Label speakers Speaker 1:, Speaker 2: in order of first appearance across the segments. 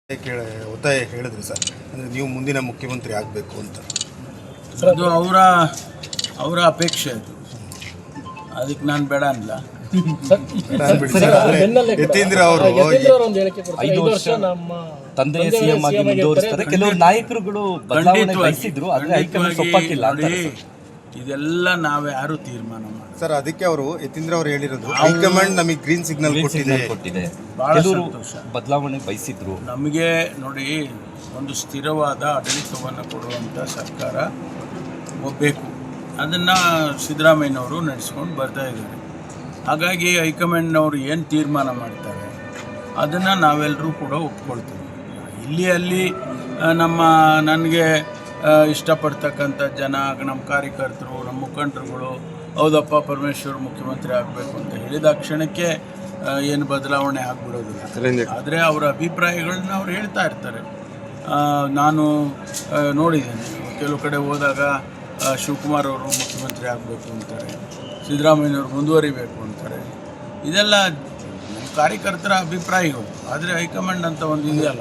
Speaker 1: ಒತ್ತಾಯ ಹೇಳಿದ್ರಿ ಸರ್, ಅಂದರೆ ನೀವು ಮುಂದಿನ ಮುಖ್ಯಮಂತ್ರಿ ಆಗಬೇಕು ಅಂತ.
Speaker 2: ಅದು ಅವರ ಅಪೇಕ್ಷೆ ಅದು, ಅದಕ್ಕೆ ನಾನು ಬೇಡ ಅಲ್ಲ.
Speaker 1: ಯತೀಂದ್ರ ಅವರು
Speaker 3: 5 ವರ್ಷ ನಮ್ಮ ತಂದೆ ಸಿಎಂ ಆಗಿ ಮುಂದುವರಿಸ್ತಾರೆ. ಕೆಲವರು ನಾಯಕರುಗಳು ಬದಲಾವಣೆ ಬಯಸಿದ್ರು, ಆದರೆ ಹೈಕಮಾಂಡ್ ಒಪ್ಪಕ್ಕಿಲ್ಲ ಅಂತ.
Speaker 2: ಇದೆಲ್ಲ ನಾವು ಯಾರು ತೀರ್ಮಾನ ಮಾಡಿ
Speaker 1: ಸರ್, ಅದಕ್ಕೆ ಅವರು ಯತೀಂದ್ರ ಅವರು ಹೇಳಿರೋದು ಹೈಕಮಾಂಡ್ ನಮಗೆ ಗ್ರೀನ್ ಸಿಗ್ನಲ್ ಕೊಟ್ಟಿದೆ.
Speaker 2: ಭಾಳ ಸಂತೋಷ.
Speaker 3: ಬದಲಾವಣೆ ಬಯಸಿದ್ರು.
Speaker 2: ನಮಗೆ ನೋಡಿ, ಒಂದು ಸ್ಥಿರವಾದ ಆಡಳಿತವನ್ನು ಕೊಡುವಂಥ ಸರ್ಕಾರ ಬೇಕು. ಅದನ್ನು ಸಿದ್ದರಾಮಯ್ಯನವರು ನಡೆಸ್ಕೊಂಡು ಬರ್ತಾ ಇದ್ದಾರೆ. ಹಾಗಾಗಿ ಹೈಕಮಾಂಡ್ನವರು ಏನು ತೀರ್ಮಾನ ಮಾಡ್ತಾರೆ ಅದನ್ನು ನಾವೆಲ್ಲರೂ ಕೂಡ ಒಪ್ಕೊಳ್ತೀವಿ. ಇಲ್ಲಿ ಅಲ್ಲಿ ನನಗೆ ಇಷ್ಟಪಡ್ತಕ್ಕಂಥ ಜನ, ನಮ್ಮ ಕಾರ್ಯಕರ್ತರು, ನಮ್ಮ ಮುಖಂಡರುಗಳು ಹೌದಪ್ಪ ಪರಮೇಶ್ವರ್ ಮುಖ್ಯಮಂತ್ರಿ ಆಗಬೇಕು ಅಂತ ಹೇಳಿದ ಕ್ಷಣಕ್ಕೆ ಏನು ಬದಲಾವಣೆ ಆಗಿಬಿಡೋದಿಲ್ಲ. ಆದರೆ ಅವರ ಅಭಿಪ್ರಾಯಗಳನ್ನ ಅವ್ರು ಹೇಳ್ತಾ ಇರ್ತಾರೆ. ನಾನು ನೋಡಿದ್ದೇನೆ, ಕೆಲವು ಕಡೆ ಹೋದಾಗ ಶಿವಕುಮಾರ್ ಅವರು ಮುಖ್ಯಮಂತ್ರಿ ಆಗಬೇಕು ಅಂತಾರೆ, ಸಿದ್ದರಾಮಯ್ಯನವರು ಮುಂದುವರಿಬೇಕು ಅಂತಾರೆ. ಇದೆಲ್ಲ ಕಾರ್ಯಕರ್ತರ ಅಭಿಪ್ರಾಯಗಳು. ಆದರೆ ಹೈಕಮಾಂಡ್ ಅಂತ ಒಂದು ಇದೆಯಲ್ಲ,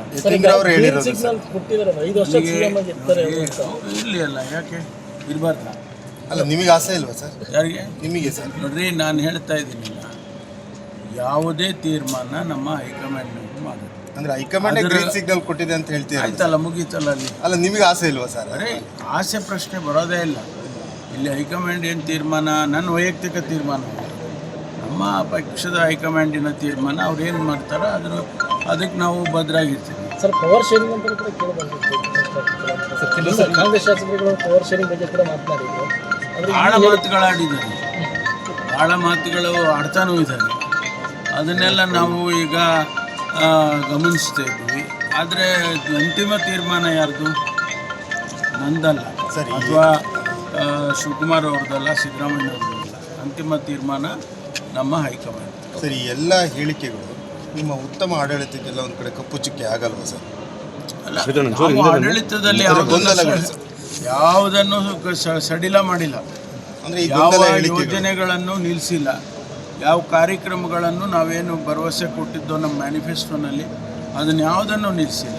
Speaker 2: ಇರಲಿ ಅಲ್ಲ, ಯಾಕೆ ಇರಬಾರ್ದ?
Speaker 1: ಅಲ್ಲ, ನಿಮಗೆ ಆಸೆ ಇಲ್ವಾ ಸರ್?
Speaker 2: ಯಾರಿಗೆ?
Speaker 1: ನಿಮಗೆ ಸರ್.
Speaker 2: ನೋಡ್ರಿ, ನಾನು ಹೇಳ್ತಾ ಇದ್ದೀನಿ, ಯಾವುದೇ ತೀರ್ಮಾನ ನಮ್ಮ ಹೈಕಮಾಂಡ್ನವರು ಮಾಡೋದು.
Speaker 1: ಅಂದರೆ ಹೈಕಮಾಂಡ್ ಗ್ರೀನ್ ಸಿಗ್ನಲ್ ಕೊಟ್ಟಿದೆ ಅಂತ ಹೇಳ್ತೀವಿ.
Speaker 2: ಆಯ್ತಲ್ಲ, ಮುಗೀತಲ್ಲ ಅಲ್ಲಿ.
Speaker 1: ಅಲ್ಲ, ನಿಮಗೆ ಆಸೆ ಇಲ್ವಾ ಸರ್?
Speaker 2: ಅರೆ, ಆಸೆ ಪ್ರಶ್ನೆ ಬರೋದೇ ಇಲ್ಲ ಇಲ್ಲಿ. ಹೈಕಮಾಂಡ್ ಏನು ತೀರ್ಮಾನ ನನ್ನ ವೈಯಕ್ತಿಕ ತೀರ್ಮಾನ, ನಮ್ಮ ಪಕ್ಷದ ಹೈಕಮಾಂಡಿನ ತೀರ್ಮಾನ. ಅವ್ರು ಏನು ಮಾಡ್ತಾರೋ ಅದಕ್ಕೆ ನಾವು ಬದ್ಧರಾಗಿರ್ತೀವಿ.
Speaker 4: ಸರ್, ಪವರ್ ಶೇರಿಂಗ್ ಅಂತ ಕೂಡ ಕೇಳಬಂದಿತ್ತು. ಕಾಂಗ್ರೆಸ್ ಶಾಸಕರುಗಳು ಪವರ್ ಶೇರಿಂಗ್ ಬಗ್ಗೆ ಕೂಡ ಮಾತನಾಡಿದ್ರು.
Speaker 2: ಭಾಳ ಮಾತುಗಳಾಡಿದ್ದಾರೆ, ಭಾಳ ಮಾತುಗಳು ಆಡ್ತಾನೂ ಇದ್ದಾರೆ. ಅದನ್ನೆಲ್ಲ ನಾವು ಈಗ ಗಮನಿಸ್ತಾ ಇದ್ವಿ. ಆದರೆ ಅಂತಿಮ ತೀರ್ಮಾನ ಯಾರ್ದು? ನಂದಲ್ಲ
Speaker 1: ಸರಿ,
Speaker 2: ಅಥವಾ ಶಿವಕುಮಾರ್ ಅವ್ರದ್ದಲ್ಲ, ಸಿದ್ದರಾಮಯ್ಯವ್ರದ್ದಲ್ಲ. ಅಂತಿಮ ತೀರ್ಮಾನ ನಮ್ಮ ಹೈಕಮಾಂಡ್.
Speaker 1: ಸರಿ, ಎಲ್ಲ ಹೇಳಿಕೆಗಳು ನಿಮ್ಮ ಉತ್ತಮ ಆಡಳಿತಕ್ಕೆಲ್ಲ ಒಂದು ಕಡೆ ಕಪ್ಪು ಚುಕ್ಕೆ ಆಗಲ್ವಾ ಸರ್?
Speaker 2: ಅಲ್ಲ, ಆಡಳಿತದಲ್ಲಿ ಯಾವುದನ್ನು ಸಡಿಲ ಮಾಡಿಲ್ಲ, ಯಾವ ಯೋಜನೆಗಳನ್ನು ನಿಲ್ಲಿಸಿಲ್ಲ, ಯಾವ ಕಾರ್ಯಕ್ರಮಗಳನ್ನು ನಾವೇನು ಭರವಸೆ ಕೊಟ್ಟಿದ್ದೋ ನಮ್ಮ ಮ್ಯಾನಿಫೆಸ್ಟೋನಲ್ಲಿ ಅದನ್ನು ಯಾವುದನ್ನು ನಿಲ್ಲಿಸಿಲ್ಲ.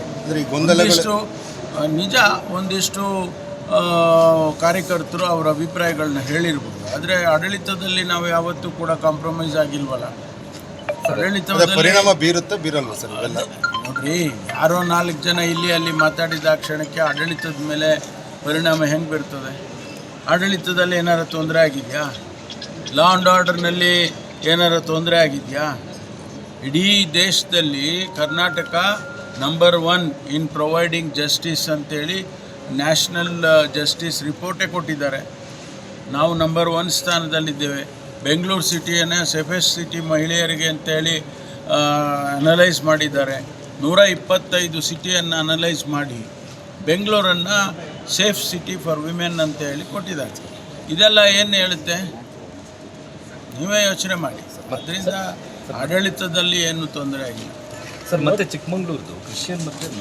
Speaker 2: ನಿಜ, ಒಂದಿಷ್ಟು ಕಾರ್ಯಕರ್ತರು ಅವರ ಅಭಿಪ್ರಾಯಗಳನ್ನ ಹೇಳಿರ್ಬೋದು. ಆದರೆ ಆಡಳಿತದಲ್ಲಿ ನಾವು ಯಾವತ್ತೂ ಕೂಡ ಕಾಂಪ್ರಮೈಸ್ ಆಗಿಲ್ವಲ್ಲ. ಆಡಳಿತದಲ್ಲಿ
Speaker 1: ಪರಿಣಾಮ ಬೀರುತ್ತಾ ಬೀರಲ್ವ ಸರ್? ಇವೆಲ್ಲ
Speaker 2: ನೋಡ್ರಿ, ಯಾರೋ 4 ಜನ ಇಲ್ಲಿ ಅಲ್ಲಿ ಮಾತಾಡಿದ ಕ್ಷಣಕ್ಕೆ ಆಡಳಿತದ ಮೇಲೆ ಪರಿಣಾಮ ಹೆಂಗೆ ಬೀರ್ತದೆ? ಆಡಳಿತದಲ್ಲಿ ಏನಾರು ತೊಂದರೆ ಆಗಿದೆಯಾ? ಲಾ ಆ್ಯಂಡ್ ಆರ್ಡರ್ನಲ್ಲಿ ಏನಾರು ತೊಂದರೆ ಆಗಿದೆಯಾ? ಇಡೀ ದೇಶದಲ್ಲಿ Karnataka number 1 in providing justice ಅಂತೇಳಿ ನ್ಯಾಷನಲ್ ಜಸ್ಟಿಸ್ ರಿಪೋರ್ಟೇ ಕೊಟ್ಟಿದ್ದಾರೆ. ನಾವು ನಂಬರ್ 1 ಸ್ಥಾನದಲ್ಲಿದ್ದೇವೆ. ಬೆಂಗಳೂರು ಸಿಟಿಯನ್ನು ಸೇಫೆಸ್ಟ್ ಸಿಟಿ ಮಹಿಳೆಯರಿಗೆ ಅಂತೇಳಿ ಅನಲೈಸ್ ಮಾಡಿದ್ದಾರೆ. 125 ಸಿಟಿಯನ್ನು ಅನಲೈಸ್ ಮಾಡಿ ಬೆಂಗಳೂರನ್ನು ಸೇಫ್ ಸಿಟಿ ಫಾರ್ ವಿಮೆನ್ ಅಂತ ಹೇಳಿ ಕೊಟ್ಟಿದ್ದಾರೆ. ಇದೆಲ್ಲ ಏನು ಹೇಳುತ್ತೆ? ನೀವೇ ಯೋಚನೆ ಮಾಡಿ. ಅದರಿಂದ ಆಡಳಿತದಲ್ಲಿ ಏನು ತೊಂದರೆ ಆಗಿಲ್ಲ
Speaker 3: ಸರ್. ಮತ್ತೆ ಚಿಕ್ಕಮಗಳೂರದು ಕ್ರಿಶ್ಚಿಯನ್ ಮತ್ತು